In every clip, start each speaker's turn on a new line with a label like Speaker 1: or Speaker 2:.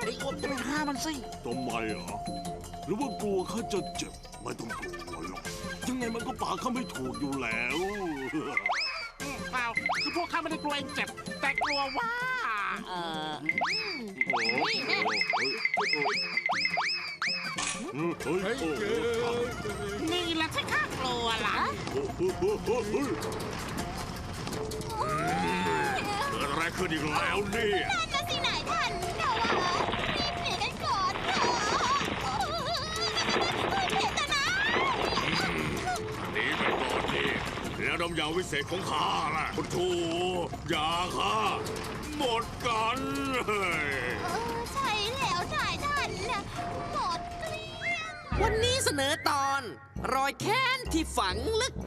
Speaker 1: อดจะไปฆ่ามันสิ
Speaker 2: ทำไมเหรอหรือว่ากลัวข้าจะเจ็บไม่ต้องกลัวหรอกยังไงมันก็ป่าข้าไม่ถูกอยู่แล้ว
Speaker 1: เปล่าคือพวกข้าไม่ได้กลัวเองเจ็บแต่กลัวว่านี่แหละที่ข้ากลัวล่ะ
Speaker 2: เกิดอะไรขึ้นอีกแล้วเนี่ย
Speaker 3: นั่นนะสินายท่านเรารีบหนีกันก่อนเถอะเดี๋ยวกันนะ
Speaker 2: หนีไปก่อนดิแล้วน้ำยาวิเศษของข้าล่ะคุณครูยาข้าหมดกัน
Speaker 3: ใช่แล้วนายท่านนะหมดเกลี้ยง
Speaker 4: วันนี้เสนอตอนรอยแค้นที่ฝังลึก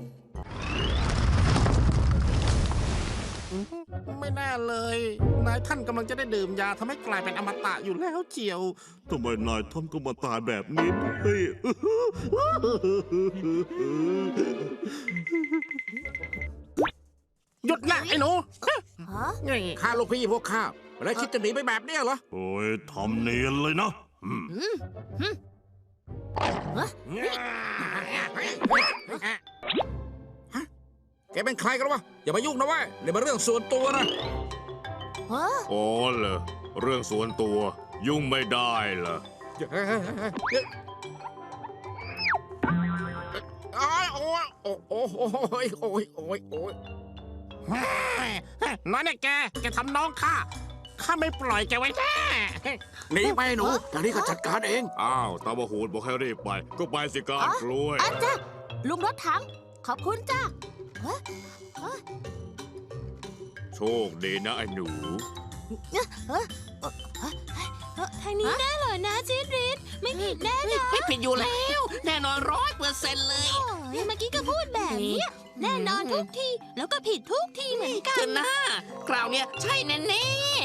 Speaker 1: ไม่น่าเลยนายท่านกำลังจะได้ดื่มยาทำให้กลายเป็นอมตะอยู่แล้วเจียว
Speaker 2: ทำไมนายท่านก็มาตายแบบนี้ด้วย
Speaker 1: หยุดนะไอ้หนูข้าลูกพี่พวกข้าแล้วคิดจะหนีไปแบบนี้เหรอ
Speaker 2: โอ้ยทำเนียนเลยนะ
Speaker 1: แกเป็นใครกันวะอย่ามายุ่งนะเว้ยเดี๋ยวมาเรื่องส่วนตัวนะ
Speaker 2: อ๋อเหรอเรื่องส่วนตัวยุ่งไม่ได้เหรอ
Speaker 1: โอ้ยโอ้ยโอ้ยโอ้ยโอ้ยโอ้ยโอ้ยน้อยเนี่ยแกทำน้องข้าไม่ปล่อยแกไว้แน่หนีไปหนูทางนี้ก็จัดการเอง
Speaker 2: อ้าวตาบะหูดบอกให้รีบไปก็ไปสิการกล้วย
Speaker 3: จ้ะลุงรถถังขอบคุณจ้ะ
Speaker 2: โชคดีนะไอ้หนู
Speaker 3: ทางนี้แน่เลยนะจิริศไม่ผิดแน่นะ
Speaker 4: ไม่ผิดอยู่แล้วแน่นอน100%เลย
Speaker 3: เมื่อกี้ก็พูดแบบนี้แน่นอนทุกทีแล้วก็ผิดทุกทีเหมือนกัน
Speaker 4: เจนนะคราวเนี้ยใช่แน่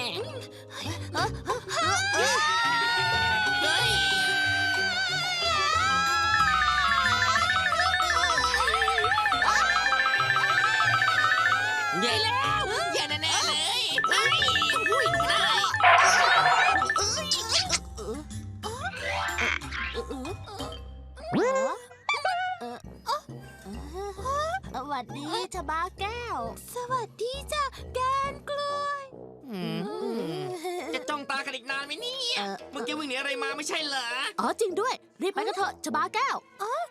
Speaker 4: ใหญ่แล้วใหญ่แน่ๆเลยดูได้
Speaker 3: สวัสดีชบาแก้วสวัสดีจ้ะแกนกล้วย
Speaker 4: จะจ้องตากันอีกนานไหมเนี่ยเมื่อกี้วิ่งหนีอะไรมาไม่ใช่เหรอ
Speaker 3: อ๋อจริงด้วยรีบไปกันเถอะชบาแก้ว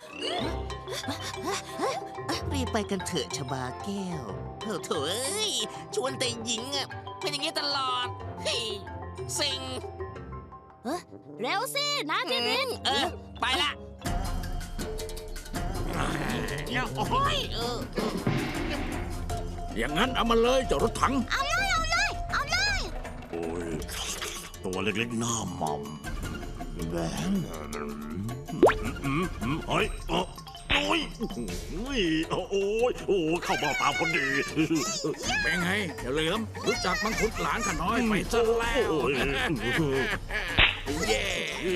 Speaker 4: รีบไปกันเถอะชบาแก้วโถ่เอ้ยชวนแต่หญิงอ่ะเป็นอย่างนี้ตลอดเฮ้ยสิง
Speaker 3: เร็วสินะเจริญ
Speaker 4: ไปละ
Speaker 1: โอ้ยอย่างนั้นเอามาเลยเจ้ารถถัง
Speaker 3: เอาเลย
Speaker 2: โอ้ยตัวเล็กๆหน้าหม่ำแหวนเฮ้ยโอ้ยโอ้ยเข้ามาตามคนดี
Speaker 1: เป็นไงอย่าเหลือมรู้จักมังคุดหลานข้าน้อยไปซะแล้วเย้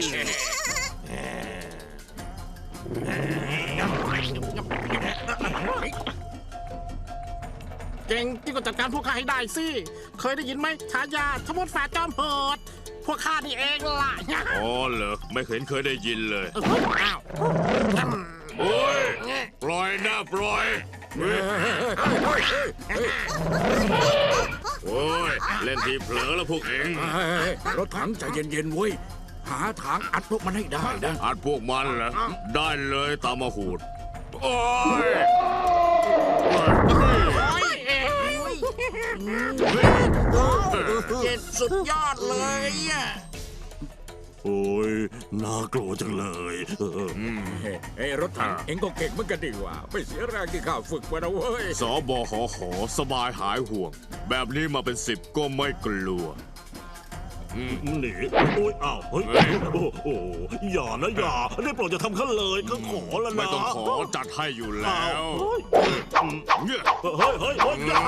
Speaker 1: เก่งที่ก็จัดการพวกข้าให้ได้สิเคยได้ยินไหมฉายาทมดแฝดจอมโหดพวกข้านี่เองล่ะ
Speaker 2: อ๋อเหรอไม่เคยได้ยินเลย
Speaker 1: อ้าว
Speaker 2: โอ้ยปล่อยนะปล่อยโอ้ยเล่นทีเผลอแล้วพวกเอง
Speaker 1: รถถังใจเย็นๆเว้ยหาทางอัดพวกมันให้ได้นะ
Speaker 2: อัดพวกมันเหรอได้เลยตามมาหูดโอ้ย
Speaker 1: เจ็ดสุดยอดเลยอ่ะ
Speaker 2: โอ้ยน่ากลัวจังเลย
Speaker 1: เฮ้ยรถถังเอ็งก็เก่งเหมือนกันดีว่าไม่เสียแรงที่ข้าฝึกมานะเว้ย
Speaker 2: สบหสบายหายห่วงแบบนี้มาเป็น10ก็ไม่กลัวหนีโอ้ยอ้าวเฮ้ยโอ้อย่านะอย่าได้โปรดจะทำข้าเลยก็ขอแล้วนะไม่ต้องขอจัดให้อยู่แล้ว
Speaker 1: เฮ้ยอย่า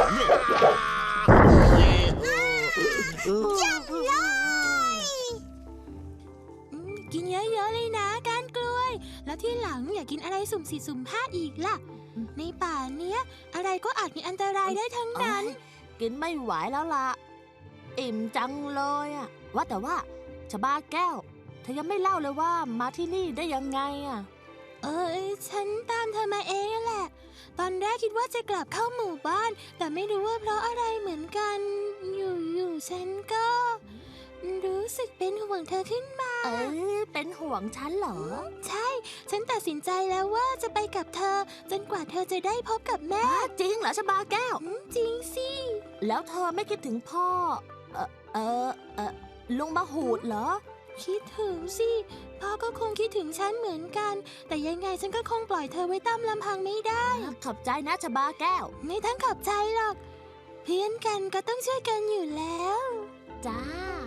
Speaker 3: กินเยอะๆเลยนะก้านกล้วยแล้วที่หลังอย่ากินอะไรสุ่มสี่สุ่มห้าอีกล่ะในป่าเนี้ยอะไรก็อาจมีอันตรายได้ทั้งนั้นกินไม่ไหวแล้วล่ะ
Speaker 5: อิ่มจังเลยอะว่าแต่ว่าชบาแก้ว เธอยังไม่เล่าเลยว่ามาที่นี่ได้ยังไงอะ
Speaker 3: ฉันตามเธอมาเองนั่นแหละ ตอนแรกคิดว่าจะกลับเข้าหมู่บ้าน แต่ไม่รู้ว่าเพราะอะไรเหมือนกัน อยู่ฉันก็ รู้สึกเป็นห่วงเธอขึ้นมา
Speaker 5: เป็นห่วงฉันเหรอ
Speaker 3: ใช่ ฉันตัดสินใจแล้วว่าจะไปกับเธอ จนกว่าเธอจะได้พบกับแม่
Speaker 5: จริงเหรอชบาแก้ว
Speaker 3: จริงสิ
Speaker 5: แล้วเธอไม่คิดถึงพ่อ ลุงมาหูดเหรอ
Speaker 3: คิดถึงสิ พ่อก็คงคิดถึงฉันเหมือนกัน แต่ยังไงฉันก็คงปล่อยเธอไว้ตามลำพังไม่ได้
Speaker 5: ขอบใจนะชบาแก้ว
Speaker 3: ไม่ต้องขอบใจหรอก เพื่อนกันก็ต้องช่วยกันอยู่แล้ว
Speaker 5: จ้า